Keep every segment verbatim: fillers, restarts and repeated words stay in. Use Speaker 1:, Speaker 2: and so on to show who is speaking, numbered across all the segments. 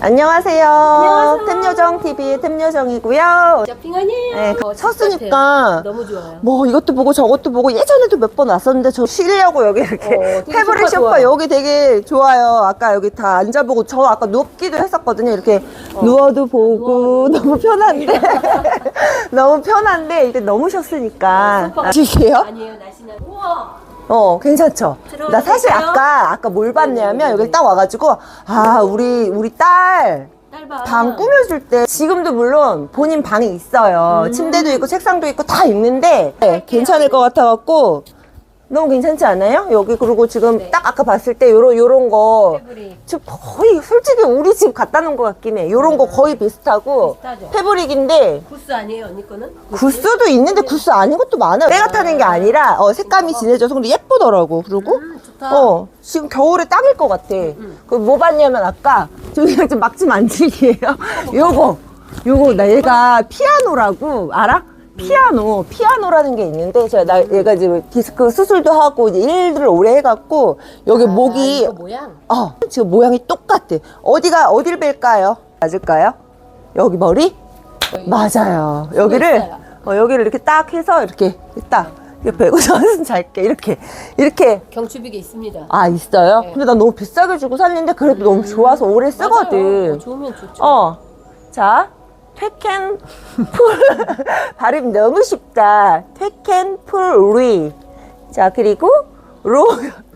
Speaker 1: 안녕하세요.
Speaker 2: 안녕하세요.
Speaker 1: 템요정티비의 템요정이고요.
Speaker 2: 쇼핑 아니에요?
Speaker 1: 네,
Speaker 2: 어,
Speaker 1: 섰으니까
Speaker 2: 너무 좋아요.
Speaker 1: 뭐 이것도 보고 저것도 보고 예전에도 몇 번 왔었는데 저 쉬려고 여기 이렇게
Speaker 2: 어, 되게
Speaker 1: 패브릭
Speaker 2: 소파
Speaker 1: 쇼파
Speaker 2: 좋아요.
Speaker 1: 여기 되게 좋아요. 아까 여기 다 앉아보고 저 아까 눕기도 했었거든요. 이렇게 누워도 보고 너무 편한데 너무 편한데 이게 너무 쉬었으니까
Speaker 2: 소파가-
Speaker 1: 아실게요?
Speaker 2: 아니에요, 날씬한. 우와!
Speaker 1: 어, 괜찮죠?
Speaker 2: 들어가도
Speaker 1: 나 사실
Speaker 2: 될까요?
Speaker 1: 아까, 아까 뭘 봤냐면
Speaker 2: 네네네네.
Speaker 1: 여기 딱 와가지고, 아, 우리, 우리 딸,
Speaker 2: 짧아.
Speaker 1: 방 꾸며줄 때, 지금도 물론 본인 방이 있어요.
Speaker 2: 음.
Speaker 1: 침대도 있고, 책상도 있고, 다 있는데, 네, 괜찮을 것 같아갖고, 너무 괜찮지 않아요? 여기, 그리고 지금
Speaker 2: 네.
Speaker 1: 딱 아까 봤을 때, 요런, 요런 거,
Speaker 2: 패브릭.
Speaker 1: 지금 거의, 솔직히 우리 집 갖다 놓은 것 같긴 해. 요런 거 거의 비슷하고,
Speaker 2: 비슷하죠?
Speaker 1: 패브릭인데,
Speaker 2: 구스 아니에요, 언니 거는?
Speaker 1: 구스도 있는데 구스 아닌 것도 많아요. 때가 타는 게 아니라 어, 색감이 진해져서 근데 예쁘더라고. 그리고
Speaker 2: 음, 좋다.
Speaker 1: 어 지금 겨울에 딱일 것 같아. 그 뭐 봤냐면 아까 저기 좀 막지 만질기예요. 요거 요거 나 얘가 피아노라고 알아? 피아노 피아노라는 게 있는데 제가 나 얘가 지금 디스크 수술도 하고 이제 일을 오래 해갖고 여기
Speaker 2: 아,
Speaker 1: 목이
Speaker 2: 이거 모양?
Speaker 1: 어 지금 모양이 똑같아. 어디가 어디를 뺄까요? 맞을까요? 여기 머리? 맞아요. 여기를
Speaker 2: 있어요.
Speaker 1: 어, 여기를 이렇게 딱 해서 이렇게 딱 이렇게 빼고 저는 잘게 이렇게 이렇게
Speaker 2: 경추비계 있습니다.
Speaker 1: 아 있어요?
Speaker 2: 네.
Speaker 1: 근데 나 너무 비싸게 주고 샀는데 그래도 너무 좋아서 오래
Speaker 2: 맞아요.
Speaker 1: 쓰거든.
Speaker 2: 어, 좋으면 좋죠.
Speaker 1: 어, 자 퇴켄 풀 발음 너무 쉽다. 퇴켄 풀리. 자 그리고 로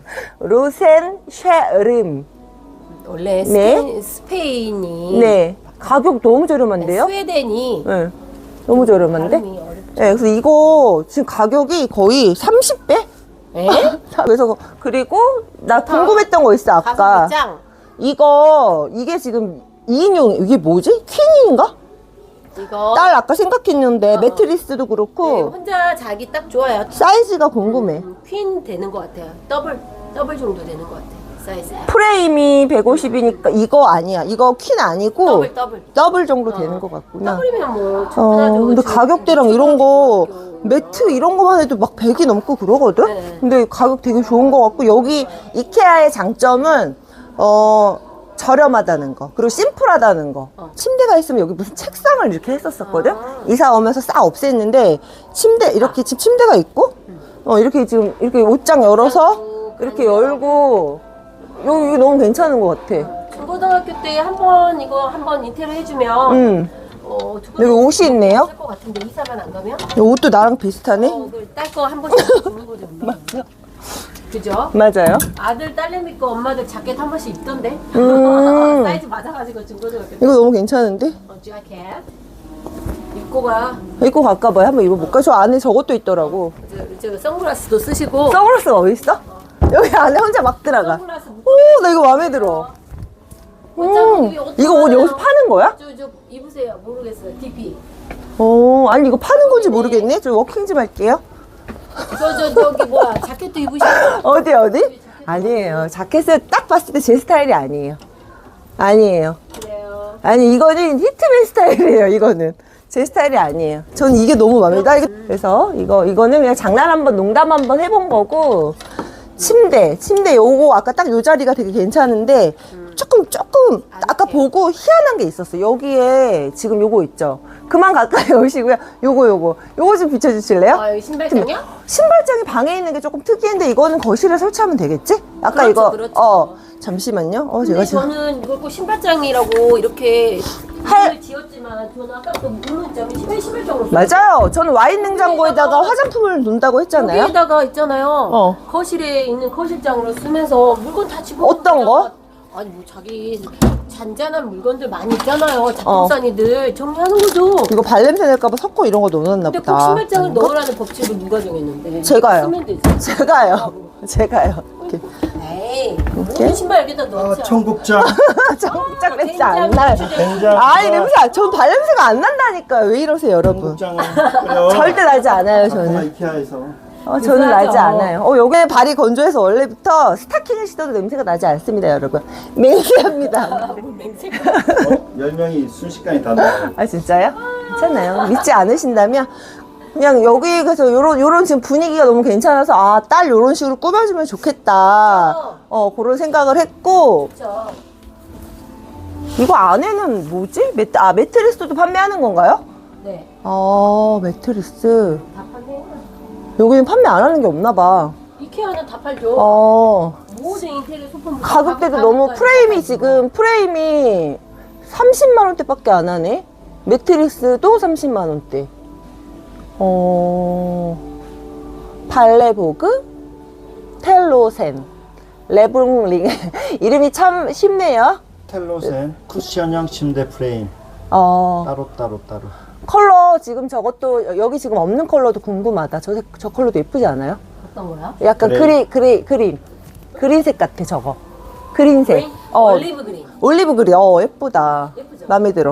Speaker 1: 로센 쉐름.
Speaker 2: 원래
Speaker 1: 네.
Speaker 2: 스페인, 스페인이
Speaker 1: 네 가격 너무 저렴한데요?
Speaker 2: 스웨덴이
Speaker 1: 네 너무 저렴한데?
Speaker 2: 발음이 어렵죠.
Speaker 1: 네, 그래서 이거 지금 가격이 거의 삼십 배?
Speaker 2: 에?
Speaker 1: 그래서 그리고 나 궁금했던 거 있어 아까.
Speaker 2: 가성비 짱.
Speaker 1: 이거 이게 지금 이 인용 이게 뭐지? 퀸인가?
Speaker 2: 이거
Speaker 1: 딸 아까 생각했는데
Speaker 2: 어.
Speaker 1: 매트리스도
Speaker 2: 네,
Speaker 1: 그렇고
Speaker 2: 혼자 자기 딱 좋아요.
Speaker 1: 사이즈가 궁금해.
Speaker 2: 음, 퀸 되는 것 같아요. 더블 더블 정도 되는 것 같아요. 사이즈.
Speaker 1: 프레임이 백오십이니까 이거 아니야. 이거 퀸 아니고
Speaker 2: 더블 더블.
Speaker 1: 더블 정도
Speaker 2: 어.
Speaker 1: 되는 것 같구나.
Speaker 2: 더블이면 뭐
Speaker 1: 어,
Speaker 2: 충분하죠.
Speaker 1: 근데
Speaker 2: 지금
Speaker 1: 가격대랑 이런 거
Speaker 2: 초등학교.
Speaker 1: 매트 이런 거만 해도 막 백이 넘고 그러거든?
Speaker 2: 네.
Speaker 1: 근데 가격 되게 좋은 것 같고 여기 이케아의 장점은 어 저렴하다는 거 그리고 심플하다는 거.
Speaker 2: 어.
Speaker 1: 침대가 있으면 여기 무슨 책상을 이렇게 했었었거든?
Speaker 2: 아.
Speaker 1: 이사 오면서 싹 없앴는데 침대 이렇게 지금 침대가 있고 어 이렇게 지금 이렇게 옷장 열어서
Speaker 2: 옷장도
Speaker 1: 이렇게
Speaker 2: 가능하고.
Speaker 1: 열고 여기 이거 너무 괜찮은 것 같아.
Speaker 2: 중고등학교 때 한 번 이거 한 번 인테리어 해주면
Speaker 1: 음.
Speaker 2: 어,
Speaker 1: 여기 옷이 있네요.
Speaker 2: 쓸것 같은데 이사만 안 가면
Speaker 1: 이 옷도 나랑 비슷하네.
Speaker 2: 어, 딸거 한 번씩 주는 거죠. 맞죠? 그죠?
Speaker 1: 맞아요.
Speaker 2: 아들 딸내미 거 엄마들 자켓 한 번씩 입던데.
Speaker 1: 음.
Speaker 2: 사이즈 맞아가지고 중고등학교 때.
Speaker 1: 이거 너무 괜찮은데?
Speaker 2: 어, 자켓 입고 가.
Speaker 1: 입고 갈까 봐요. 한번 입어볼까? 저 안에 저것도 있더라고.
Speaker 2: 저, 저 선글라스도 쓰시고.
Speaker 1: 선글라스가 어디 있어? 여기 안에 혼자 막 들어가.
Speaker 2: 선글라스 묶-
Speaker 1: 오, 나 이거 마음에 들어.
Speaker 2: 어차피
Speaker 1: 음,
Speaker 2: 이게 어떤
Speaker 1: 이거 옷
Speaker 2: 거예요?
Speaker 1: 여기서 파는 거야?
Speaker 2: 저, 저 입으세요. 모르겠어요. 디피.
Speaker 1: 어, 아니 이거 파는 건지 모르겠네. 저 워킹 좀 할게요.
Speaker 2: 저, 저, 저기 뭐야. 자켓도 입으시고.
Speaker 1: 어디 어디? 아니에요. 자켓을 딱 봤을 때 제 스타일이 아니에요. 아니에요.
Speaker 2: 그래요.
Speaker 1: 아니 이거는 히트맨 스타일이에요. 이거는 제 스타일이 아니에요. 저는 이게 너무 마음에 들어. 그래서 이거 이거는 그냥 장난 한번 농담 한번 해본 거고 침대 침대 요거 아까 딱 요 자리가 되게 괜찮은데 조금 조금 아까 보고 희한한 게 있었어. 여기에 지금 요거 있죠. 그만 가까이 오시고요. 요거 요거 요거 좀 비춰주실래요?
Speaker 2: 아, 여기 신발장이야?
Speaker 1: 신발장이 방에 있는 게 조금 특이한데 이거는 거실에 설치하면 되겠지? 아까
Speaker 2: 그렇죠,
Speaker 1: 이거
Speaker 2: 그렇죠.
Speaker 1: 어 잠시만요. 어
Speaker 2: 근데
Speaker 1: 제가 지금
Speaker 2: 저는 이걸 꼭 신발장이라고 이렇게
Speaker 1: 할-
Speaker 2: 이름을 지었지만 저는 아까부터 묻는 점이 신발 신발장으로
Speaker 1: 맞아요. 저는 와인 냉장고에다가 화장품을 놓는다고 했잖아요.
Speaker 2: 여기에다가 있잖아요.
Speaker 1: 어.
Speaker 2: 거실에 있는 거실장으로 쓰면서 물건 다 집어.
Speaker 1: 어떤 거?
Speaker 2: 아니 뭐 자기 잔잔한 물건들 많이 있잖아요. 작품산이들 정리하는 거죠.
Speaker 1: 이거 발냄새 낼까봐 섞고 이런 거 넣어놨나
Speaker 2: 근데
Speaker 1: 보다.
Speaker 2: 꼭 신발장을
Speaker 1: 아닌가?
Speaker 2: 넣으라는 법칙을 누가 정했는데?
Speaker 1: 제가요.
Speaker 2: 쓰면 되지.
Speaker 1: 제가요. 제가요. 이렇게.
Speaker 2: 에이, 모든 신발 여기다
Speaker 3: 아,
Speaker 2: 넣자.
Speaker 3: 청국장.
Speaker 1: 청국장 냄새 안 나요.
Speaker 3: 된장.
Speaker 1: 아니 냄새 안- 전 발냄새가 안 난다니까요. 왜 이러세요 여러분.
Speaker 3: 청국장을 끓여.
Speaker 1: 절대 나지 않아요
Speaker 3: 아까
Speaker 1: 저는.
Speaker 3: 이케아에서.
Speaker 1: 어, 저는
Speaker 2: 비싸죠.
Speaker 1: 나지 않아요. 어, 여기 발이 건조해서 원래부터 스타킹을 신어도 냄새가 나지 않습니다, 여러분. 맹세합니다.
Speaker 3: 열 명이 순식간에 다 나와요.
Speaker 1: 아, 진짜요? 괜찮아요. 믿지 않으신다면 그냥 여기 그래서 요런 요런 지금 분위기가 너무 괜찮아서 아, 딸 요런 식으로 꾸며주면 좋겠다. 어, 그런 생각을 했고
Speaker 2: 그렇죠.
Speaker 1: 이거 안에는 뭐지? 매트, 아, 매트리스도 판매하는 건가요?
Speaker 2: 네.
Speaker 1: 아, 매트리스.
Speaker 2: 다 판매해요.
Speaker 1: 여기는 판매 안 하는 게 없나 봐.
Speaker 2: 이케아는 다 팔죠.
Speaker 1: 어.
Speaker 2: 모든 인테리어 소품
Speaker 1: 가격대도 너무 프레임이 지금 프레임이 삼십만 원대밖에 안 하네. 매트리스도 삼십만 원대. 어. 발레보그, 텔로센, 레블링. 이름이 참 쉽네요.
Speaker 3: 텔로센 쿠션형 침대 프레임
Speaker 1: 어.
Speaker 3: 따로 따로 따로.
Speaker 1: 컬러 지금 저것도 여기 지금 없는 컬러도 궁금하다. 저, 색- 저 컬러도 예쁘지 않아요?
Speaker 2: 어떤 거야?
Speaker 1: 약간
Speaker 3: 그래.
Speaker 1: 그리, 그리, 그린. 그린색 같아, 저거. 그린색.
Speaker 2: 그린?
Speaker 1: 어,
Speaker 2: 올리브 그린.
Speaker 1: 올리브 그린. 어, 예쁘다.
Speaker 2: 예쁘죠?
Speaker 1: 마음에 들어.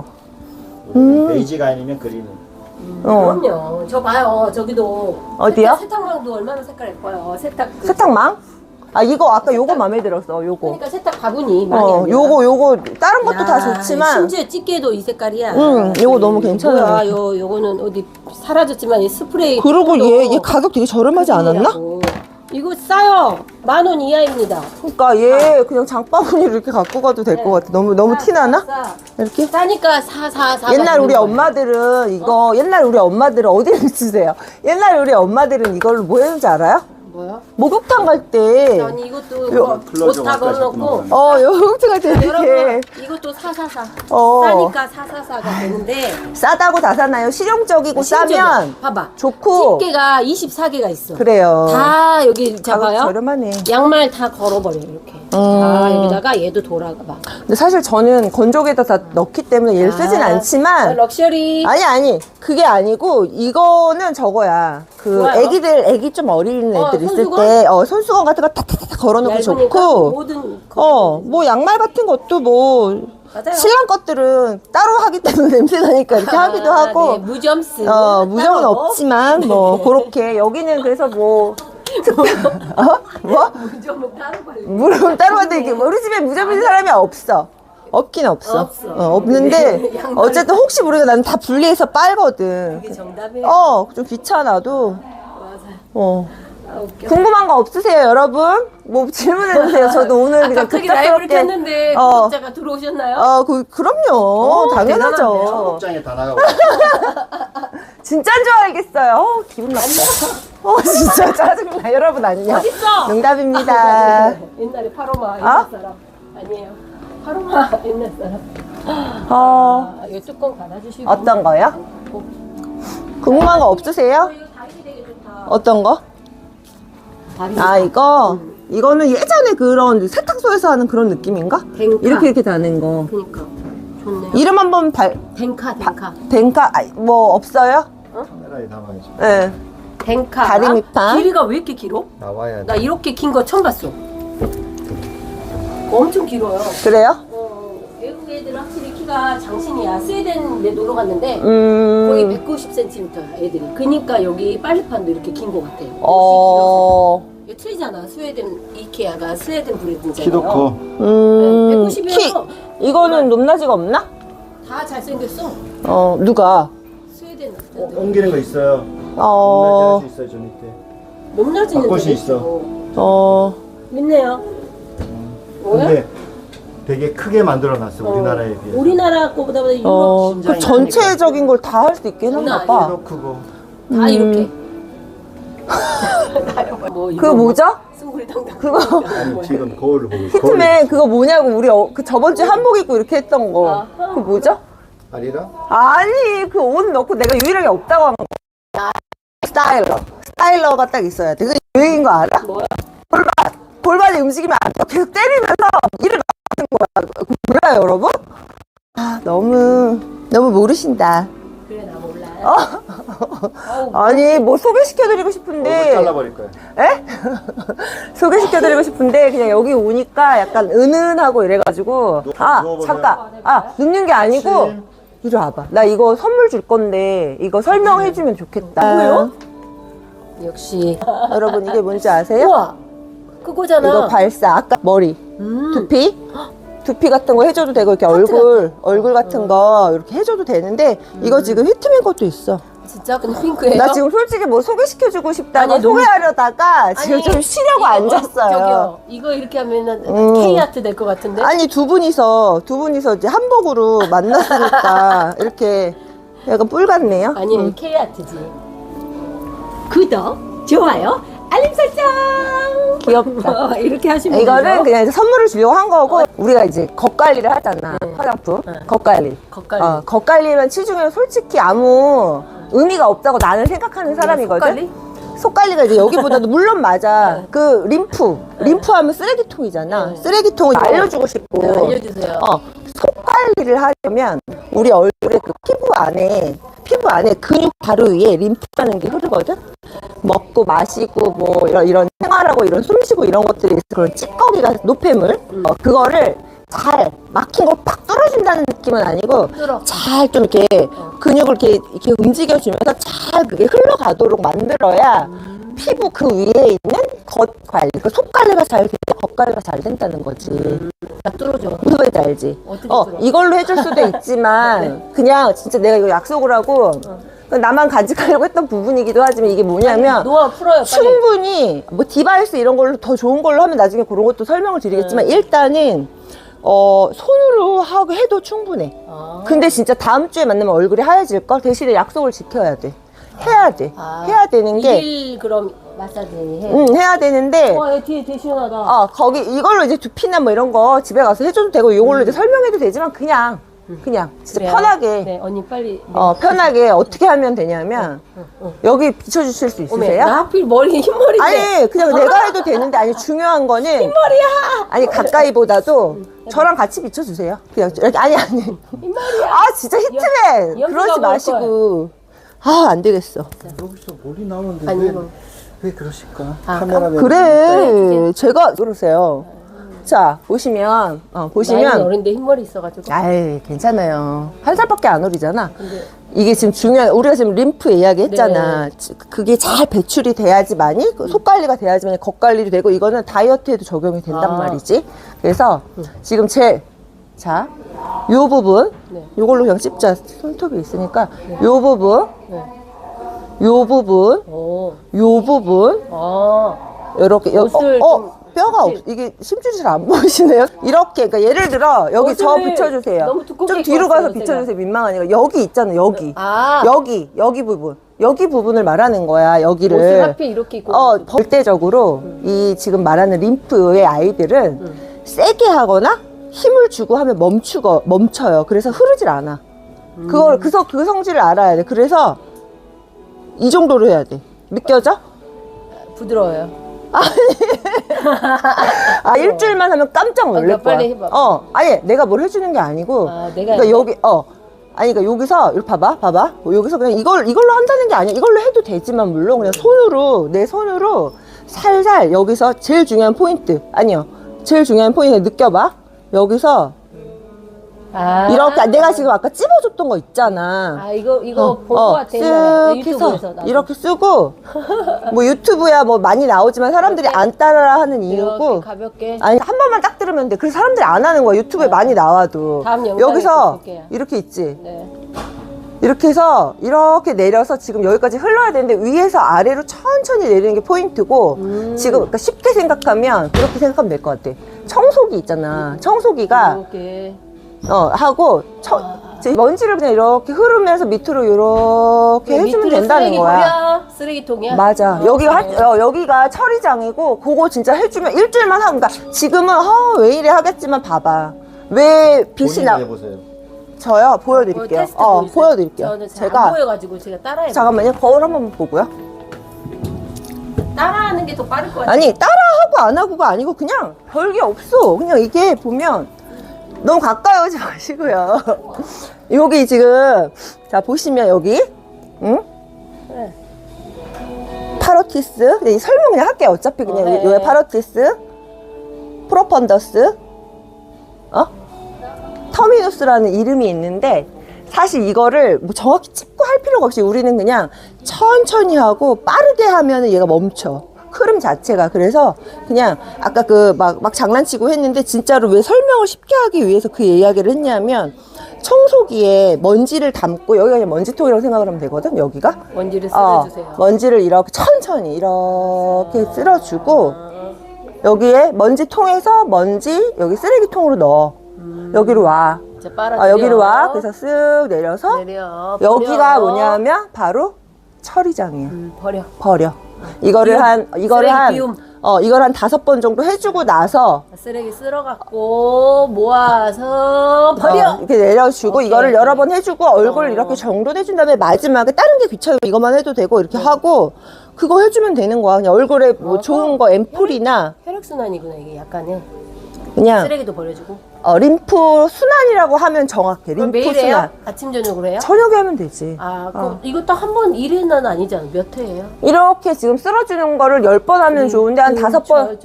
Speaker 3: 음. 베이지가 아니면 그린은.
Speaker 1: 어.
Speaker 2: 그럼요. 저 봐요. 저기도.
Speaker 1: 어디요?
Speaker 2: 세탁, 세탁망도 얼마나 색깔 예뻐요. 세탁. 그-
Speaker 1: 세탁망? 아, 이거 아까 요거 마음에 들었어, 요거.
Speaker 2: 그러니까 세탁 바구니 많이
Speaker 1: 어,
Speaker 2: 아니야?
Speaker 1: 요거, 요거, 다른 것도
Speaker 2: 야,
Speaker 1: 다 좋지만.
Speaker 2: 심지어 집게도 이 색깔이야.
Speaker 1: 응, 요거 너무 괜찮아요.
Speaker 2: 뭐야, 요 요거는 어디 사라졌지만 이 스프레이.
Speaker 1: 그리고
Speaker 2: 또
Speaker 1: 얘, 얘 가격 되게 저렴하지 않았나?
Speaker 2: 큰일이라고. 이거 싸요. 만 원 이하입니다.
Speaker 1: 그러니까 얘 그냥 장바구니로 이렇게 갖고 가도 될 것 같아. 너무, 너무
Speaker 2: 싸,
Speaker 1: 티나나?
Speaker 2: 싸, 싸.
Speaker 1: 이렇게?
Speaker 2: 싸니까 사, 사, 사.
Speaker 1: 옛날 우리 엄마들은 이거, 옛날 우리 엄마들은 어디를 비추세요? 옛날 우리 엄마들은 이걸로 뭐 했는지 알아요?
Speaker 2: 뭐야?
Speaker 1: 목욕탕 갈 때,
Speaker 2: 아니 이것도
Speaker 1: 요-
Speaker 3: 클로즈
Speaker 2: 옷다
Speaker 3: 와까지
Speaker 2: 걸어놓고.
Speaker 3: 했구나.
Speaker 1: 어, 요 목욕탕 갈 때 이렇게
Speaker 2: 여러분 이것도 사사사.
Speaker 1: 어.
Speaker 2: 싸니까 사사사가 되는데.
Speaker 1: 싸다고 다 사나요? 실용적이고
Speaker 2: 심지어
Speaker 1: 싸면
Speaker 2: 봐봐.
Speaker 1: 좋고.
Speaker 2: 집게가 이십사 개가 있어.
Speaker 1: 그래요.
Speaker 2: 다 여기
Speaker 1: 가격
Speaker 2: 잡아요.
Speaker 1: 저렴하네.
Speaker 2: 양말 다 걸어버려 이렇게. 다 여기다가 얘도 돌아가 봐.
Speaker 1: 근데 사실 저는 건조기에다 다 넣기 때문에 얘를 쓰진
Speaker 2: 아,
Speaker 1: 않지만.
Speaker 2: 럭셔리.
Speaker 1: 아니 아니 그게 아니고 이거는 저거야. 그
Speaker 2: 좋아요?
Speaker 1: 애기들 애기 좀 어린
Speaker 2: 어,
Speaker 1: 애들 있을
Speaker 2: 손수건?
Speaker 1: 때 어, 손수건 같은 거 탁탁탁 걸어놓고
Speaker 2: 얇으니까
Speaker 1: 좋고.
Speaker 2: 모든
Speaker 1: 어 뭐 양말 같은 것도 뭐
Speaker 2: 맞아요.
Speaker 1: 신랑 것들은 따로 하기 때문에 냄새 나니까 이렇게 하기도
Speaker 2: 아,
Speaker 1: 하고.
Speaker 2: 네, 무점스.
Speaker 1: 어 무정은
Speaker 2: 따로.
Speaker 1: 없지만 뭐 그렇게 여기는 그래서 뭐 어? 뭐?
Speaker 2: 무점은 따로 발려.
Speaker 1: 물은 따로 하는데 이게 우리 집에 무접인 사람이 없어. 없긴 없어.
Speaker 2: 없어.
Speaker 1: 어, 없는데
Speaker 2: 네, 양말이-
Speaker 1: 어쨌든 혹시 모르니까 나는 다 분리해서 빨거든.
Speaker 2: 이게 정답이에요.
Speaker 1: 어, 좀 귀찮아도.
Speaker 2: 맞아요.
Speaker 1: 어.
Speaker 2: 아, 웃겨.
Speaker 1: 궁금한 거 없으세요, 여러분? 뭐 질문해 주세요. 저도 오늘
Speaker 2: 아까
Speaker 1: 그냥
Speaker 2: 저기 라이브를
Speaker 1: 급작스럽게.
Speaker 2: 켰는데
Speaker 1: 어.
Speaker 2: 구독자가 들어오셨나요?
Speaker 1: 어, 그 그럼요. 당연하죠.
Speaker 2: 대단하네요.
Speaker 3: 옷장에 다 나가고.
Speaker 1: 진짜인 줄 알겠어요. 어, 기분 나빠. 어, 진짜 짜증나. 여러분 안녕.
Speaker 2: 어딨어?
Speaker 1: 농담입니다.
Speaker 2: 옛날에 파로마 옛날
Speaker 1: 어?
Speaker 2: 사람 아니에요. 파로마 옛날 사람.
Speaker 1: 어,
Speaker 2: 아, 이 뚜껑 닫아주시고.
Speaker 1: 어떤 거요? 궁금한 거 없으세요?
Speaker 2: 어, 이거 다리 되게 좋다.
Speaker 1: 어떤 거?
Speaker 2: 다리.
Speaker 1: 아, 이거? 이거는 예전에 그런 세탁소에서 하는 그런 느낌인가?
Speaker 2: 댕카.
Speaker 1: 이렇게 이렇게 다는 거.
Speaker 2: 그니까 좋네요.
Speaker 1: 이름 한번 발,
Speaker 2: 댕카 댕카.
Speaker 1: 댕카, 아, 뭐, 없어요?
Speaker 3: 카메라에 담아야지.
Speaker 1: 네.
Speaker 2: 댕카.
Speaker 1: 다리 밑판.
Speaker 2: 길이가 왜 이렇게 길어?
Speaker 3: 나와야
Speaker 2: 나
Speaker 3: 돼.
Speaker 2: 이렇게 긴 거 처음 봤어. 엄청 길어요.
Speaker 1: 그래요?
Speaker 2: 어, 외국 애들은 확실히 키가 장신이야. 스웨덴에 놀러 갔는데
Speaker 1: 음.
Speaker 2: 거의 백구십 센티미터야 애들이. 그니까 여기 빨래판도 이렇게 긴 거 같아.
Speaker 1: 어.
Speaker 2: 이거 틀리잖아. 스웨덴 이케아가 스웨덴 브랜드잖아요.
Speaker 3: 키도 커.
Speaker 1: 음.
Speaker 2: 백구십이어서
Speaker 1: 키, 이거는 높낮이가 없나?
Speaker 2: 다 잘생겼어.
Speaker 1: 어, 누가?
Speaker 2: 스웨덴
Speaker 3: 어,
Speaker 2: 남자들.
Speaker 3: 옮기는 거 있어요.
Speaker 1: 어.
Speaker 3: 할수 있어요, 저 밑에.
Speaker 2: 높낮이는
Speaker 3: 바꿀 수
Speaker 2: 좀
Speaker 3: 있어.
Speaker 1: 어.
Speaker 2: 믿네요. 뭐야?
Speaker 3: 근데 되게 크게 만들어 놨어,
Speaker 2: 어,
Speaker 3: 우리나라에 비해서.
Speaker 2: 우리나라 거보다 유럽
Speaker 1: 어.
Speaker 3: 심장이
Speaker 1: 그 전체적인 걸 다 할 수 있긴
Speaker 2: 장난
Speaker 1: 한가 봐.
Speaker 3: 키도 크고.
Speaker 2: 다
Speaker 1: 음.
Speaker 2: 이렇게. 뭐
Speaker 1: 그거 뭐죠?
Speaker 2: 숭구리당당.
Speaker 1: 그거.
Speaker 3: 아니, 지금 거울을 보고 있어.
Speaker 1: 히트맨 그거 뭐냐고 우리 어, 그 저번 주에 한복 입고 이렇게 했던 거.
Speaker 2: 아.
Speaker 1: 그거 뭐죠?
Speaker 3: 아리랑?
Speaker 1: 아니 그 옷 넣고 내가 유일하게 없다고 한 거. 스타일러. 스타일러가 딱 있어야 돼. 그게 유행인 거 알아?
Speaker 2: 뭐야?
Speaker 1: 볼밭. 볼밭이 움직이면 안 돼. 계속 때리면서 일을 하는 거야. 그거 몰라요 여러분? 아 너무 너무 모르신다.
Speaker 2: 그래 나 몰라.
Speaker 1: 어?
Speaker 2: 아우,
Speaker 1: 아니 뭐 소개시켜드리고
Speaker 3: 얼굴
Speaker 1: 싶은데.
Speaker 3: 잘라버릴 거야.
Speaker 1: 에? 소개시켜드리고 싶은데 그냥 여기 오니까 약간 은은하고 이래가지고
Speaker 3: 누-
Speaker 1: 아
Speaker 3: 누워보세요.
Speaker 1: 잠깐 아 눕는 게 아니고
Speaker 3: 침.
Speaker 1: 이리 와봐. 나 이거 선물 줄 건데 이거 설명해주면 좋겠다.
Speaker 2: 뭐요? 역시.
Speaker 1: 여러분 이게 뭔지 아세요?
Speaker 2: 우와. 그거잖아.
Speaker 1: 이거 발사. 아까 머리
Speaker 2: 음.
Speaker 1: 두피 두피 같은 거 해줘도 되고 이렇게 얼굴 얼굴 같은 거 이렇게 해줘도 되는데 이거 지금 히트맨 것도 있어.
Speaker 2: 진짜 그냥 핑크예요?
Speaker 1: 나 지금 솔직히 뭐 소개시켜주고 싶다고
Speaker 2: 아니, 너무-
Speaker 1: 소개하려다가 지금
Speaker 2: 아니,
Speaker 1: 좀 쉬려고
Speaker 2: 이거,
Speaker 1: 앉았어요.
Speaker 2: 저기요. 이거 이렇게 하면은
Speaker 1: 음.
Speaker 2: K아트 될 것 같은데?
Speaker 1: 아니 두 분이서 두 분이서 이제 한복으로 만났으니까 이렇게 약간 뿔 같네요.
Speaker 2: 아니
Speaker 1: 음.
Speaker 2: K아트지. 구독, 좋아요, 알림 설정.
Speaker 1: 귀엽다.
Speaker 2: 이렇게 하시면
Speaker 1: 이거는
Speaker 2: 되죠?
Speaker 1: 그냥 이제 선물을 주려고 한 거고 우리가 이제 겉관리를 하잖아.
Speaker 2: 네.
Speaker 1: 화장품
Speaker 2: 네.
Speaker 1: 겉관리.
Speaker 2: 겉관리.
Speaker 1: 어, 겉관리면 치중에 솔직히 아무 의미가 없다고 나는 생각하는 사람이거든.
Speaker 2: 속관리?
Speaker 1: 속관리가 이제 여기보다도 물론 맞아. 그 림프, 림프 하면 쓰레기통이잖아.
Speaker 2: 네.
Speaker 1: 쓰레기통을 알려주고 싶고.
Speaker 2: 네, 알려주세요.
Speaker 1: 어, 속관리를 하려면 우리 얼굴에 그 피부 안에 피부 안에 근육 바로 위에 림프라는 게 흐르거든. 먹고 마시고 뭐 이런 이런 생활하고 이런 숨쉬고 이런 것들이 있어. 그런 찌꺼기가 노폐물 어, 그거를 잘 막힌 걸 팍 뚫어준다는 느낌은 아니고
Speaker 2: 뚫어.
Speaker 1: 잘 좀 이렇게 근육을 이렇게 이렇게 움직여주면서 잘 그게 흘러가도록 만들어야 피부 그 위에 있는 겉 관리, 그 속 관리가 잘 돼야 겉 관리가 잘 된다는 거지.
Speaker 2: 나 뚫어줘.
Speaker 1: 무슨 말인지 알지?
Speaker 2: 어떻게
Speaker 1: 어,
Speaker 2: 뚫어?
Speaker 1: 이걸로 해줄 수도 있지만 그냥 진짜 내가 이거 약속을 하고 나만 간직하려고 했던 부분이기도 하지만 이게 뭐냐면
Speaker 2: 노화 풀어요, 빨리.
Speaker 1: 충분히 뭐 디바이스 이런 걸로 더 좋은 걸로 하면 나중에 그런 것도 설명을 드리겠지만 일단은 어, 손으로 하고 해도 충분해.
Speaker 2: 아.
Speaker 1: 근데 진짜 다음 주에 만나면 얼굴이 하얘질 걸 대신에 약속을 지켜야 돼. 해야 돼.
Speaker 2: 아.
Speaker 1: 해야 되는 게
Speaker 2: 일일 그럼 마사지 해.
Speaker 1: 응, 해야 되는데
Speaker 2: 와, 얘 뒤에 되게 시원하다.
Speaker 1: 어, 거기 이걸로 이제 두피나 뭐 이런 거 집에 가서 해줘도 되고 이걸로 이제 설명해도 되지만 그냥 그냥 진짜
Speaker 2: 그래요?
Speaker 1: 편하게
Speaker 2: 네, 언니 빨리. 네.
Speaker 1: 어, 편하게 어떻게 하면 되냐면
Speaker 2: 어.
Speaker 1: 여기 비춰주실 수
Speaker 2: 어메,
Speaker 1: 있으세요?
Speaker 2: 나 하필 머리 흰머리인데.
Speaker 1: 아니 그냥 내가 해도 되는데 아니 중요한 거는
Speaker 2: 흰머리야.
Speaker 1: 아니 가까이보다도 저랑 같이 비춰주세요. 그냥 이렇게 아니 아니
Speaker 2: 흰머리야.
Speaker 1: 아 진짜 히트맨
Speaker 2: 연기가
Speaker 1: 그러지
Speaker 2: 뭘
Speaker 1: 마시고 아 안 되겠어.
Speaker 3: 여기서 머리 나오는데
Speaker 2: 아니,
Speaker 3: 왜,
Speaker 2: 이거.
Speaker 3: 왜 그러실까?
Speaker 2: 아,
Speaker 3: 카메라맨
Speaker 1: 그래 제가 그러세요. 자 보시면 어,
Speaker 2: 나이는
Speaker 1: 보시면
Speaker 2: 어린데 흰머리 있어가지고.
Speaker 1: 아이 괜찮아요. 한 살밖에 안 어리잖아.
Speaker 2: 근데
Speaker 1: 이게 지금 중요한 우리가 지금 림프 이야기 했잖아. 지- 그게 잘 배출이 돼야지만이 그 속 관리가 돼야지만이 겉 관리도 되고 이거는 다이어트에도 적용이 된단
Speaker 2: 아.
Speaker 1: 말이지. 그래서 지금 제 자, 요 부분
Speaker 2: 네.
Speaker 1: 요걸로 그냥 찝자. 손톱이 있으니까 요 부분
Speaker 2: 네.
Speaker 1: 요 부분
Speaker 2: 오.
Speaker 1: 요 부분
Speaker 2: 아.
Speaker 1: 요렇게 여,
Speaker 2: 옷을
Speaker 1: 어,
Speaker 2: 좀
Speaker 1: 어, 뼈가 없 이게 심줄이 잘 안 보이시네요. 이렇게 그러니까 예를 들어 여기 저
Speaker 2: 옷을
Speaker 1: 비춰주세요.
Speaker 2: 너무 두껍게
Speaker 1: 좀 뒤로
Speaker 2: 입고
Speaker 1: 가서
Speaker 2: 왔어요,
Speaker 1: 비춰주세요. 민망하니까 여기 있잖아 여기
Speaker 2: 아.
Speaker 1: 여기 여기 부분 여기 부분을 말하는 거야 여기를.
Speaker 2: 옷을 하필 이렇게 입고.
Speaker 1: 어 절대적으로 이 지금 말하는 림프의 아이들은 세게 하거나 힘을 주고 하면 멈추고 멈춰요. 그래서 흐르질 않아. 그걸 그, 성- 그 성질을 알아야 돼. 그래서 이 정도로 해야 돼. 느껴져?
Speaker 2: 부드러워요.
Speaker 1: 아 일주일만 하면 깜짝 놀랄
Speaker 2: 그러니까
Speaker 1: 거야.
Speaker 2: 빨리 해봐.
Speaker 1: 어 아니 내가 뭘 해주는 게 아니고.
Speaker 2: 아, 내가
Speaker 1: 그러니까 여기 어 아니 그러니까 여기서 이렇게 봐봐 봐봐 여기서 그냥 이걸 이걸로 한다는 게 아니야. 이걸로 해도 되지만 물론 그냥 손으로 내 손으로 살살 여기서 제일 중요한 포인트 아니요 제일 중요한 포인트 느껴봐 여기서
Speaker 2: 아.
Speaker 1: 이렇게 내가 지금 아까 찝어줬던 거 있잖아.
Speaker 2: 아, 이거, 이거
Speaker 1: 어,
Speaker 2: 본 것
Speaker 1: 어,
Speaker 2: 같아. 옛날에.
Speaker 1: 쓱
Speaker 2: 유튜브에서.
Speaker 1: 해서
Speaker 2: 나도.
Speaker 1: 이렇게 쓰고 뭐 유튜브야 뭐 많이 나오지만 사람들이
Speaker 2: 이렇게,
Speaker 1: 안 따라 하는
Speaker 2: 이렇게
Speaker 1: 이유고
Speaker 2: 가볍게.
Speaker 1: 아니 한 번만 딱 들으면 돼. 그래서 사람들이 안 하는 거야. 유튜브에 많이 나와도
Speaker 2: 다음 영상에
Speaker 1: 여기서
Speaker 2: 또 볼게요.
Speaker 1: 이렇게 있지.
Speaker 2: 네.
Speaker 1: 이렇게 해서 이렇게 내려서 지금 여기까지 흘러야 되는데 위에서 아래로 천천히 내리는 게 포인트고
Speaker 2: 음.
Speaker 1: 지금 그러니까 쉽게 생각하면 그렇게 생각하면 될 것 같아. 청소기 있잖아. 청소기가
Speaker 2: 이렇게.
Speaker 1: 어 하고 청, 이제 먼지를 그냥 이렇게 흐르면서 밑으로 이렇게 해주면
Speaker 2: 밑으로
Speaker 1: 된다는
Speaker 2: 쓰레기
Speaker 1: 거야.
Speaker 2: 버려? 쓰레기통이야?
Speaker 1: 맞아.
Speaker 2: 어,
Speaker 1: 여기가
Speaker 2: 그래.
Speaker 1: 하, 어, 여기가 처리장이고 그거 진짜 해주면 일주일만 하고 그러니까 지금은 어, 왜 이래 하겠지만 봐봐. 왜 빛이
Speaker 3: 본인
Speaker 1: 나?
Speaker 3: 해보세요.
Speaker 1: 저요 보여드릴게요.
Speaker 2: 테스트
Speaker 1: 어
Speaker 2: 보여주세요.
Speaker 1: 보여드릴게요.
Speaker 2: 저는 잘
Speaker 1: 제가
Speaker 2: 안 보여가지고 제가 따라해.
Speaker 1: 잠깐만요. 거울 한번 보고요.
Speaker 2: 따라하는 게 더 빠를 것 같아.
Speaker 1: 아니 따라하고 안 하고가 아니고 그냥 별게 없어. 그냥 이게 보면 너무 가까이 오지 마시고요. 여기 지금 자 보시면 여기 응?
Speaker 2: 그래.
Speaker 1: 파로티스 네, 설명 그냥 할게요. 어차피 그냥
Speaker 2: 어, 네.
Speaker 1: 요 파로티스 프로펀더스 어? 터미누스라는 이름이 있는데 사실 이거를 뭐 정확히 짚고 할 필요가 없이 우리는 그냥 천천히 하고 빠르게 하면 얘가 멈춰. 흐름 자체가. 그래서 그냥 아까 그 막 막 장난치고 했는데 진짜로 왜 설명을 쉽게 하기 위해서 그 이야기를 했냐면 청소기에 먼지를 담고 여기가 그냥 먼지통이라고 생각을 하면 되거든. 여기가
Speaker 2: 먼지를
Speaker 1: 어,
Speaker 2: 쓸어주세요.
Speaker 1: 먼지를 이렇게 천천히 이렇게 쓸어주고 여기에 먼지통에서 먼지 여기 쓰레기통으로 넣어.
Speaker 2: 음.
Speaker 1: 여기로 와.
Speaker 2: 자, 빨아들여.
Speaker 1: 아, 여기로 와. 그래서 쓱 내려서
Speaker 2: 내려.
Speaker 1: 여기가
Speaker 2: 버려.
Speaker 1: 뭐냐면 바로 처리장이에요.
Speaker 2: 음, 버려.
Speaker 1: 버려. 이거를
Speaker 2: 비움.
Speaker 1: 한 이거를
Speaker 2: 쓰레기
Speaker 1: 한
Speaker 2: 비움.
Speaker 1: 어, 이걸 한 다섯 번 정도 해주고 나서
Speaker 2: 쓰레기 쓸어갖고 모아서 버려.
Speaker 1: 어, 이렇게 내려주고
Speaker 2: 오케이.
Speaker 1: 이거를 여러 번 해주고 얼굴
Speaker 2: 어.
Speaker 1: 이렇게 정돈해준 다음에 마지막에 다른 게 귀찮으면 이것만 해도 되고 이렇게 하고 그거 해주면 되는 거야. 그냥 얼굴에 뭐
Speaker 2: 어.
Speaker 1: 좋은 거 앰플이나
Speaker 2: 혈액순환이구나 이게 약간은.
Speaker 1: 그냥
Speaker 2: 쓰레기도 버려주고.
Speaker 1: 어, 림프 순환이라고 하면 정확해.
Speaker 2: 그럼
Speaker 1: 림프
Speaker 2: 매일 해요?
Speaker 1: 순환.
Speaker 2: 아침 저녁으로 해요?
Speaker 1: 저녁에 하면 되지.
Speaker 2: 아, 그럼
Speaker 1: 어.
Speaker 2: 이거 딱 한 번 일 회는 아니잖아. 몇 회예요?
Speaker 1: 이렇게 지금 쓸어주는 거를 열 번 하면 좋은데 한 다섯 번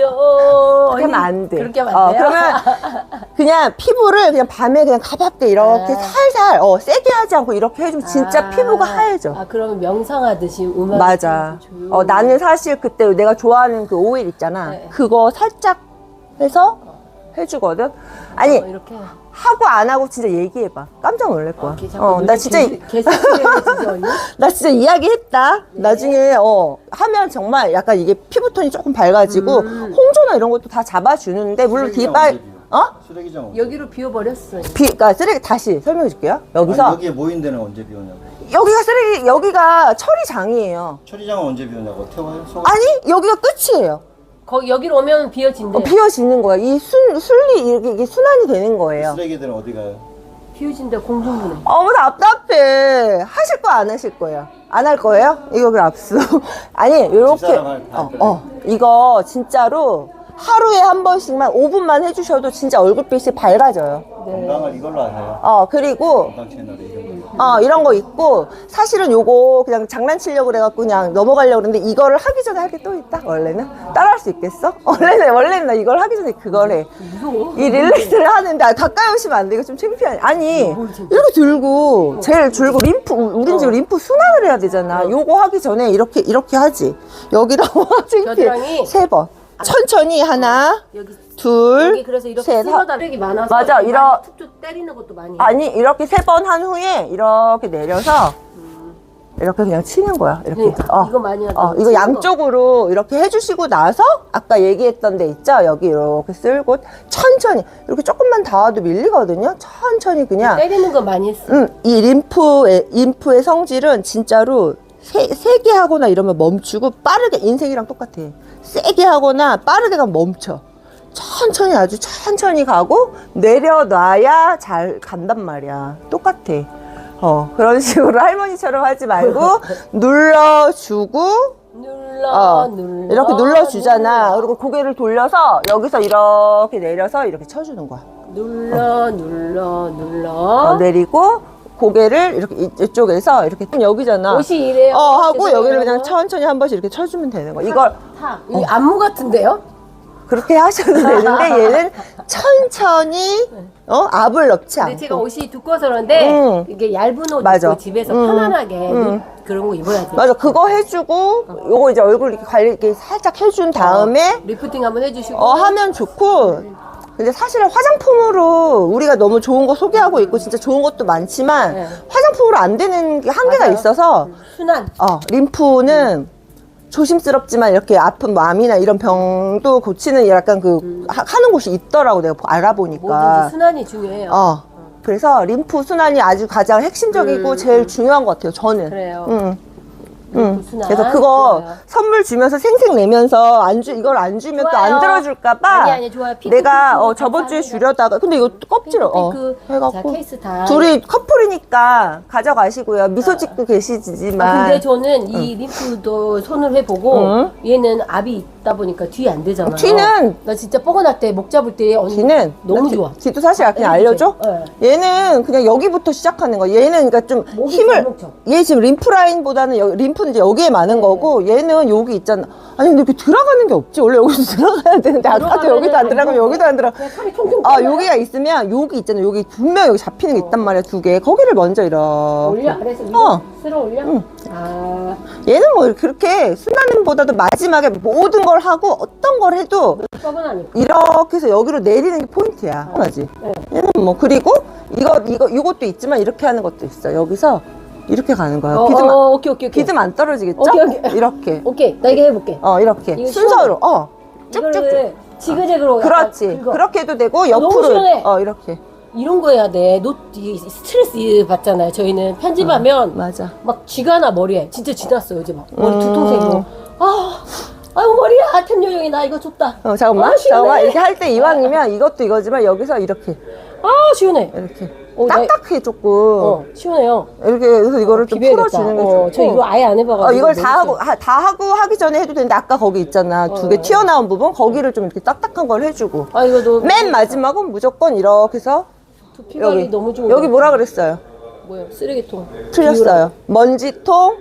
Speaker 2: 줘요.
Speaker 1: 그렇게 하면 안 돼.
Speaker 2: 그렇게 하면
Speaker 1: 어,
Speaker 2: 안 돼요?
Speaker 1: 그러면 그냥 피부를 그냥 밤에 그냥 가볍게 이렇게
Speaker 2: 아.
Speaker 1: 살살 어, 세게 하지 않고 이렇게 해주면 진짜
Speaker 2: 아,
Speaker 1: 피부가 하얘져.
Speaker 2: 아, 그러면 명상하듯이 음악.
Speaker 1: 맞아. 어, 나는 사실 그때 내가 좋아하는 그 오일 있잖아.
Speaker 2: 네.
Speaker 1: 그거 살짝 해서 해주거든. 아니
Speaker 2: 어, 이렇게.
Speaker 1: 하고 안 하고 진짜 얘기해봐. 깜짝 놀랄 거야.
Speaker 2: 이렇게 자꾸
Speaker 1: 어, 나
Speaker 2: 눈에
Speaker 1: 진짜
Speaker 2: 개- 개새끼를 진짜 언니?
Speaker 1: 나 진짜 이야기했다.
Speaker 2: 네.
Speaker 1: 나중에 어 하면 정말 약간 이게 피부톤이 조금 밝아지고
Speaker 2: 음.
Speaker 1: 홍조나 이런 것도 다 잡아주는데 물론
Speaker 3: 쓰레기장
Speaker 1: 디바
Speaker 3: 언제 비워?
Speaker 1: 어?
Speaker 3: 쓰레기장 언제
Speaker 2: 여기로 비워버렸어.
Speaker 1: 비, 그러니까 쓰레기 다시 설명해 줄게요. 여기서
Speaker 3: 아니, 여기에 모인 데는 언제 비우냐고.
Speaker 1: 여기가 쓰레기 여기가 처리장이에요.
Speaker 3: 처리장은 언제 비우냐고. 태워요? 소...
Speaker 1: 아니 여기가 끝이에요.
Speaker 2: 거기 여기로 오면 비워진대.
Speaker 1: 어, 비워지는 거야. 이 순, 순리 이렇게 이게 순환이 되는 거예요.
Speaker 3: 쓰레기들은 어디 가요?
Speaker 2: 비워진대 공중분해.
Speaker 1: 어머 답답해. 하실 거 안 하실 거예요? 안 할 거예요? 이거 그 압수. 아니 요렇게
Speaker 3: 집사람 할- 할
Speaker 1: 어,
Speaker 3: 거예요.
Speaker 1: 어 이거 진짜로 하루에 한 번씩만 오 분만 해주셔도 진짜 얼굴빛이 밝아져요.
Speaker 3: 건강을 이걸로 하세요.
Speaker 1: 어 그리고
Speaker 3: 건강 채널에 이런 거.
Speaker 1: 어 이런 거 있고 사실은 요거 그냥 장난치려고 그래갖고 그냥 넘어가려고 그랬는데 이거를 하기 전에 할 게 또 있다. 원래는 따라할 수 있겠어? 원래는 원래는 나 이걸 하기 전에 그걸 해.
Speaker 2: 무서워.
Speaker 1: 이 릴렉스를 하는데 아, 가까이 오시면 안 돼. 이거 좀 창피하네. 아니 이렇게 들고 제일 줄고 림프 우린 지금 림프 순환을 해야 되잖아. 요거 하기 전에 이렇게 이렇게 하지. 여기다가 창피해.
Speaker 2: 겨드랑이?
Speaker 1: 세 번. 천천히 하나
Speaker 2: 여기
Speaker 1: 둘
Speaker 2: 여기 그래서 이렇게
Speaker 1: 셋
Speaker 2: 쓸어다 쓰레기 많아서
Speaker 1: 맞아,
Speaker 2: 많이
Speaker 1: 이러-
Speaker 2: 툭툭 때리는 것도 많이.
Speaker 1: 아니 이렇게 세 번 한 후에 이렇게 내려서 이렇게 그냥 치는 거야. 이렇게.
Speaker 2: 그러니까 이거 많이 하죠.
Speaker 1: 어, 이거
Speaker 2: 치는
Speaker 1: 양쪽으로 이렇게 해주시고 나서 아까 얘기했던 데 있죠? 여기 이렇게 쓸고 천천히 이렇게 조금만 닿아도 밀리거든요. 천천히 그냥.
Speaker 2: 때리는 거 많이 했어.
Speaker 1: 음, 이 림프의 림프의 성질은 진짜로 세, 세게 하거나 이러면 멈추고 빠르게 인생이랑 똑같아. 세게 하거나 빠르게 가면 멈춰. 천천히 아주 천천히 가고 내려놔야 잘 간단 말이야. 똑같아. 어 그런 식으로 할머니처럼 하지 말고 눌러주고
Speaker 2: 눌러
Speaker 1: 어
Speaker 2: 눌러
Speaker 1: 이렇게 눌러주잖아.
Speaker 2: 눌러.
Speaker 1: 그리고 고개를 돌려서 여기서 이렇게 내려서 이렇게 쳐주는 거야.
Speaker 2: 눌러 눌러 눌러.
Speaker 1: 어, 내리고 고개를 이렇게 이- 이쪽에서 이렇게 여기잖아.
Speaker 2: 옷이 이래요.
Speaker 1: 어 하고
Speaker 2: 죄송해요.
Speaker 1: 여기를 그냥 천천히 한 번씩 이렇게 쳐주면 되는 거야. 이걸
Speaker 2: 타. 이 안무 같은데요?
Speaker 1: 그렇게 하셔도 되는데 얘는 천천히 어 압을 넣지
Speaker 2: 근데 제가
Speaker 1: 않고.
Speaker 2: 옷이 두꺼워서 그런데
Speaker 1: 응.
Speaker 2: 이게 얇은 옷
Speaker 1: 맞아.
Speaker 2: 입고 집에서
Speaker 1: 응.
Speaker 2: 편안하게
Speaker 1: 응.
Speaker 2: 눈- 그런 거 입어야 돼.
Speaker 1: 맞아 그거 해주고 요거 이제 얼굴 이렇게 관리 이렇게 살짝 해준 다음에
Speaker 2: 리프팅 한번 해주시고.
Speaker 1: 어 하면 좋고. 근데 사실은 화장품으로 우리가 너무 좋은 거 소개하고 있고 진짜 좋은 것도 많지만
Speaker 2: 네.
Speaker 1: 화장품으로 안 되는 게 한계가
Speaker 2: 맞아요.
Speaker 1: 있어서
Speaker 2: 순환.
Speaker 1: 어 림프는 조심스럽지만 이렇게 아픈 마음이나 이런 병도 고치는 약간 그 하, 하는 곳이 있더라고 내가 보- 알아보니까.
Speaker 2: 뭐든지 순환이 중요해요.
Speaker 1: 어 그래서 림프 순환이 아주 가장 핵심적이고
Speaker 2: 음,
Speaker 1: 제일 중요한 것 같아요 저는.
Speaker 2: 그래요.
Speaker 1: 응.
Speaker 2: 림프
Speaker 1: 응.
Speaker 2: 순환.
Speaker 1: 그래서 그거
Speaker 2: 좋아요.
Speaker 1: 선물 주면서 생생 내면서 안 주, 이걸 안 주면 또 안
Speaker 2: 좋아요.
Speaker 1: 들어줄까봐
Speaker 2: 아니, 아니, 좋아요. 핑크,
Speaker 1: 내가
Speaker 2: 핑크,
Speaker 1: 어, 저번 주에
Speaker 2: 감사합니다.
Speaker 1: 주려다가 근데 이거 껍질을 어,
Speaker 2: 핑크, 핑크.
Speaker 1: 해갖고
Speaker 2: 자, 케이스 다.
Speaker 1: 둘이 커플이니까 가져가시고요. 미소 짓고 계시지만
Speaker 2: 아, 근데 저는 이 림프도 손을 해보고
Speaker 1: 응.
Speaker 2: 얘는 압이 있다 보니까 뒤에 안 되잖아요.
Speaker 1: 뒤는-
Speaker 2: 나 진짜 뻐근할 때 목 잡을 때 언니
Speaker 1: 뒤는
Speaker 2: 너무
Speaker 1: 뒤-
Speaker 2: 좋아.
Speaker 1: 뒤도 사실 그냥 알려줘.
Speaker 2: 네.
Speaker 1: 얘는 그냥 여기부터 시작하는 거야. 얘는 그러니까 좀
Speaker 2: 목이
Speaker 1: 힘을
Speaker 2: 잘 먹죠.
Speaker 1: 얘 지금 림프 라인보다는 여기, 림프는 이제 여기에 많은 거고 얘는 여기 있잖아. 아니 근데 이렇게 들어가는 게 없지. 원래 여기서 들어가야 되는데 아까도
Speaker 2: 들어가면은
Speaker 1: 여기도 안 들어가면
Speaker 2: 안
Speaker 1: 여기도 안 들어.
Speaker 2: 그냥 살이 통통
Speaker 1: 아
Speaker 2: 튀어나와요.
Speaker 1: 여기가 있으면 여기 있잖아. 여기 분명 여기 잡히는 게 있단 말이야 두 개. 거기를 먼저 이렇게.
Speaker 2: 올려 아래서 위로
Speaker 1: 어.
Speaker 2: 쓸어 올려. 아
Speaker 1: 얘는 뭐 그렇게 순환보다도 마지막에 모든 걸 하고 어떤 걸 해도
Speaker 2: 뻐근하니까.
Speaker 1: 이렇게 해서 여기로 내리는 게 포인트야. 맞지?
Speaker 2: 네.
Speaker 1: 얘는 뭐 그리고 이거 이거 이것도 있지만 이렇게 하는 것도 있어. 여기서 이렇게 가는 거야.
Speaker 2: 어,
Speaker 1: 비듬 안,
Speaker 2: 어, 오케이 오케이 오케이.
Speaker 1: 비듬 안 떨어지겠죠?
Speaker 2: 오케이, 오케이.
Speaker 1: 이렇게.
Speaker 2: 오케이. 나 이거 해볼게.
Speaker 1: 어 이렇게
Speaker 2: 이거
Speaker 1: 순서로. 어 쭉쭉쭉.
Speaker 2: 이거를 지그재그로. 약간
Speaker 1: 그렇지.
Speaker 2: 긁어.
Speaker 1: 그렇게 해도 되고
Speaker 2: 어, 너무
Speaker 1: 옆으로.
Speaker 2: 시원해.
Speaker 1: 어 이렇게.
Speaker 2: 이런 거 해야 돼. 노 이- 스트레스 받잖아요. 저희는 편집하면
Speaker 1: 맞아.
Speaker 2: 막 쥐가 나 머리에. 진짜 쥐났어 요즘 막 머리
Speaker 1: 음.
Speaker 2: 두통생이고. 아, 아유 머리야. 템 요정이 나 이거 줬다.
Speaker 1: 어 잠깐만.
Speaker 2: 아, 시원해.
Speaker 1: 잠깐만. 이렇게 할 때 이왕이면 이것도 이거지만 여기서 이렇게
Speaker 2: 아 시원해.
Speaker 1: 이렇게
Speaker 2: 어, 나-
Speaker 1: 딱딱해 조금.
Speaker 2: 어 시원해요.
Speaker 1: 이렇게 해서 이거를 좀
Speaker 2: 비벼야겠다.
Speaker 1: 풀어주는 게
Speaker 2: 어,
Speaker 1: 좋고.
Speaker 2: 저 이거 아예 안 해봐가지고.
Speaker 1: 어, 이걸 다
Speaker 2: 모르겠어요.
Speaker 1: 하고 하, 다 하고 하기 전에 해도 되는데 아까 거기 있잖아 두 개
Speaker 2: 어.
Speaker 1: 튀어나온 부분 거기를 좀 이렇게 딱딱한 걸 해주고
Speaker 2: 아 이거 너
Speaker 1: 맨 마지막은 무조건 이렇게 해서
Speaker 2: 두피 관리
Speaker 1: 여기
Speaker 2: 너무 좋은
Speaker 1: 여기
Speaker 2: 거
Speaker 1: 뭐라 그랬어요?
Speaker 2: 뭐야 쓰레기통.
Speaker 1: 틀렸어요. 먼지통,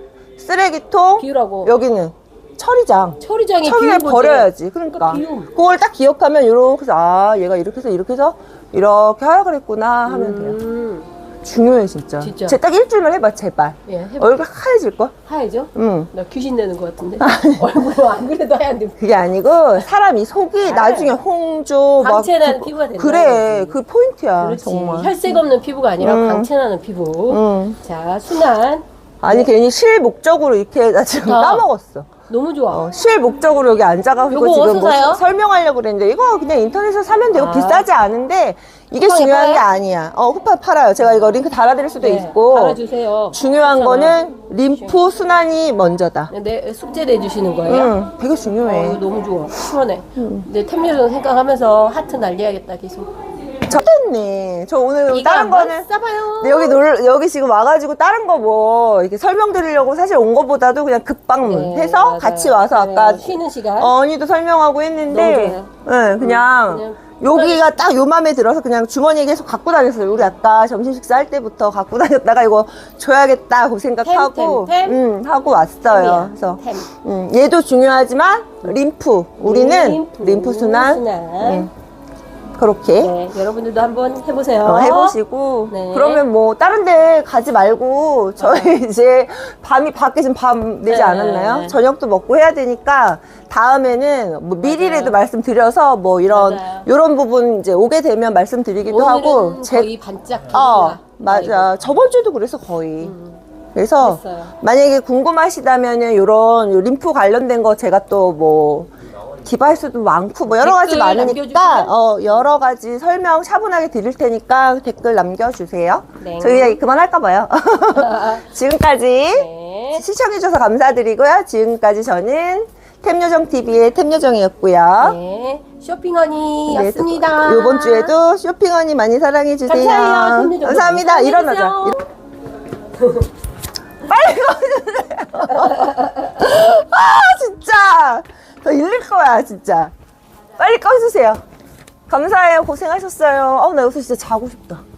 Speaker 1: 쓰레기통,
Speaker 2: 비우라고.
Speaker 1: 여기는 처리장.
Speaker 2: 처리장에
Speaker 1: 처리를
Speaker 2: 비운
Speaker 1: 버려야지. 그러니까
Speaker 2: 비움.
Speaker 1: 그걸 딱 기억하면 이렇게 해서 아 얘가 이렇게 해서 이렇게 해서 이렇게 하라 그랬구나 하면 돼요.
Speaker 2: 음,
Speaker 1: 중요해 진짜.
Speaker 2: 진짜.
Speaker 1: 쟤 딱 일주일만 해봐 제발.
Speaker 2: 예, 해봐.
Speaker 1: 얼굴 하얘질 걸?
Speaker 2: 하얘죠?
Speaker 1: 응.
Speaker 2: 나 귀신 되는 것 같은데. 얼굴 안 그래도 하얀데.
Speaker 1: 그게 아니고 사람이 속이 나중에 홍조 막
Speaker 2: 광채나는
Speaker 1: 그-
Speaker 2: 피부가 된다는
Speaker 1: 그래
Speaker 2: 거지.
Speaker 1: 그 포인트야
Speaker 2: 그렇지.
Speaker 1: 정말.
Speaker 2: 혈색 없는 피부가 아니라
Speaker 1: 음.
Speaker 2: 광채나는 피부.
Speaker 1: 응.
Speaker 2: 자, 순한.
Speaker 1: 아니 괜히 쉴 목적으로 이렇게 나 지금
Speaker 2: 아.
Speaker 1: 까먹었어.
Speaker 2: 너무 좋아.
Speaker 1: 어, 쉴 목적으로 여기 앉아가지고
Speaker 2: 요거
Speaker 1: 지금
Speaker 2: 어디서
Speaker 1: 뭐
Speaker 2: 사요?
Speaker 1: 설명하려고 그랬는데 이거 그냥 인터넷에서 사면 되고
Speaker 2: 아.
Speaker 1: 비싸지 않은데 이게
Speaker 2: 쿠팡에
Speaker 1: 중요한 게
Speaker 2: 팔아요?
Speaker 1: 아니야. 어 쿠팡 팔아요. 제가 이거 링크 달아드릴 수도
Speaker 2: 네,
Speaker 1: 있고
Speaker 2: 달아주세요.
Speaker 1: 중요한
Speaker 2: 괜찮아.
Speaker 1: 거는 림프 순환이 먼저다.
Speaker 2: 내 숙제 내주시는 거예요?
Speaker 1: 응, 되게
Speaker 2: 어,
Speaker 1: 중요해.
Speaker 2: 이거 너무 좋아. 시원해. 내 템요정 생각하면서 하트 날려야겠다, 계속.
Speaker 1: 저 됐네. 저 오늘
Speaker 2: 이거
Speaker 1: 다른
Speaker 2: 한번
Speaker 1: 거는
Speaker 2: 써봐요.
Speaker 1: 근데 여기 놀 여기 지금 와가지고 다른 거 뭐 이렇게 설명드리려고 사실 온 거보다도 그냥 급방문
Speaker 2: 네,
Speaker 1: 해서
Speaker 2: 맞아요.
Speaker 1: 같이 와서
Speaker 2: 네,
Speaker 1: 아까
Speaker 2: 쉬는 시간.
Speaker 1: 언니도 설명하고 했는데
Speaker 2: 너무
Speaker 1: 네, 그냥,
Speaker 2: 그냥
Speaker 1: 여기가 딱 요 맘에 들어서 그냥 주머니에 계속 갖고 다녔어요. 우리 아까 점심 식사할 때부터 갖고 다녔다가 이거 줘야겠다 그 생각하고
Speaker 2: 템, 템, 템.
Speaker 1: 음, 하고 왔어요.
Speaker 2: 템이야,
Speaker 1: 그래서
Speaker 2: 템.
Speaker 1: 음, 얘도 중요하지만 림프 우리는 림프, 순환
Speaker 2: 순환.
Speaker 1: 음, 그렇게
Speaker 2: 네, 여러분들도 한번 해보세요.
Speaker 1: 어, 해보시고
Speaker 2: 네.
Speaker 1: 그러면 뭐 다른 데 가지 말고 저희 이제 밤이 밖에 지금 밤 되지
Speaker 2: 네.
Speaker 1: 않았나요? 저녁도 먹고 해야 되니까 다음에는 뭐 미리라도
Speaker 2: 맞아요.
Speaker 1: 말씀드려서 뭐 이런
Speaker 2: 맞아요.
Speaker 1: 이런 부분 이제 오게 되면 말씀드리기도 하고
Speaker 2: 오늘은 거의 반짝
Speaker 1: 어
Speaker 2: 빛나.
Speaker 1: 맞아 저번 주에도 그래서 거의 그래서
Speaker 2: 그랬어요.
Speaker 1: 만약에 궁금하시다면은 요런 요 림프 관련된 거 제가 또 뭐 디바이스도 많고 뭐 여러 가지
Speaker 2: 댓글
Speaker 1: 많으니까
Speaker 2: 남겨주시면?
Speaker 1: 어 여러 가지 설명 차분하게 드릴 테니까 댓글 남겨주세요.
Speaker 2: 네.
Speaker 1: 저희 그만할까 봐요. 지금까지
Speaker 2: 네.
Speaker 1: 시청해주셔서 감사드리고요. 지금까지 저는 템요정티비의 템요정이었고요.
Speaker 2: 네, 쇼핑허니였습니다.
Speaker 1: 네, 이번 주에도 쇼핑언니 많이 사랑해주세요.
Speaker 2: 감사해요. 템요정.
Speaker 1: 감사합니다.
Speaker 2: 사랑해주세요.
Speaker 1: 일어나자. 빨리 꺼주세요. 아 진짜 더 일릴 거야 진짜. 빨리 꺼주세요. 감사해요. 고생하셨어요. 어, 나 여기서 진짜 자고 싶다.